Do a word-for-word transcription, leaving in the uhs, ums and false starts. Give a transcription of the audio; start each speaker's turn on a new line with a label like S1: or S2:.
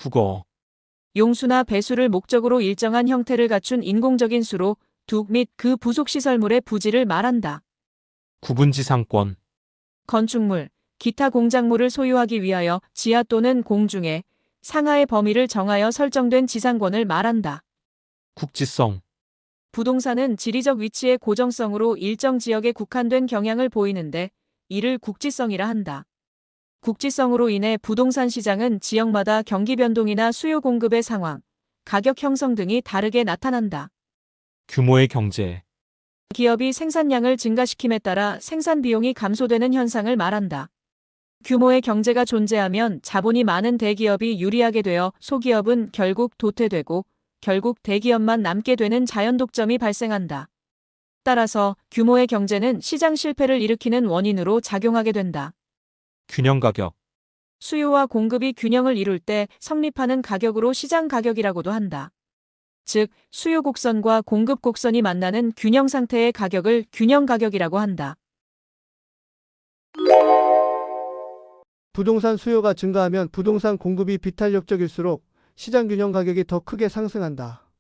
S1: 국어,
S2: 용수나 배수를 목적으로 일정한 형태를 갖춘 인공적인 수로 둑 및 그 부속 시설물의 부지를 말한다.
S1: 구분지상권,
S2: 건축물, 기타 공작물을 소유하기 위하여 지하 또는 공중에 상하의 범위를 정하여 설정된 지상권을 말한다.
S1: 국지성,
S2: 부동산은 지리적 위치의 고정성으로 일정 지역에 국한된 경향을 보이는데 이를 국지성이라 한다. 국지성으로 인해 부동산 시장은 지역마다 경기 변동이나 수요 공급의 상황, 가격 형성 등이 다르게 나타난다.
S1: 규모의 경제,
S2: 기업이 생산량을 증가시킴에 따라 생산 비용이 감소되는 현상을 말한다. 규모의 경제가 존재하면 자본이 많은 대기업이 유리하게 되어 소기업은 결국 도태되고 결국 대기업만 남게 되는 자연독점이 발생한다. 따라서 규모의 경제는 시장 실패를 일으키는 원인으로 작용하게 된다.
S1: 균형 가격,
S2: 수요와 공급이 균형을 이룰 때 성립하는 가격으로 시장 가격이라고도 한다. 즉, 수요 곡선과 공급 곡선이 만나는 균형 상태의 가격을 균형 가격이라고 한다.
S3: 부동산 수요가 증가하면 부동산 공급이 비탄력적일수록 시장 균형 가격이 더 크게 상승한다.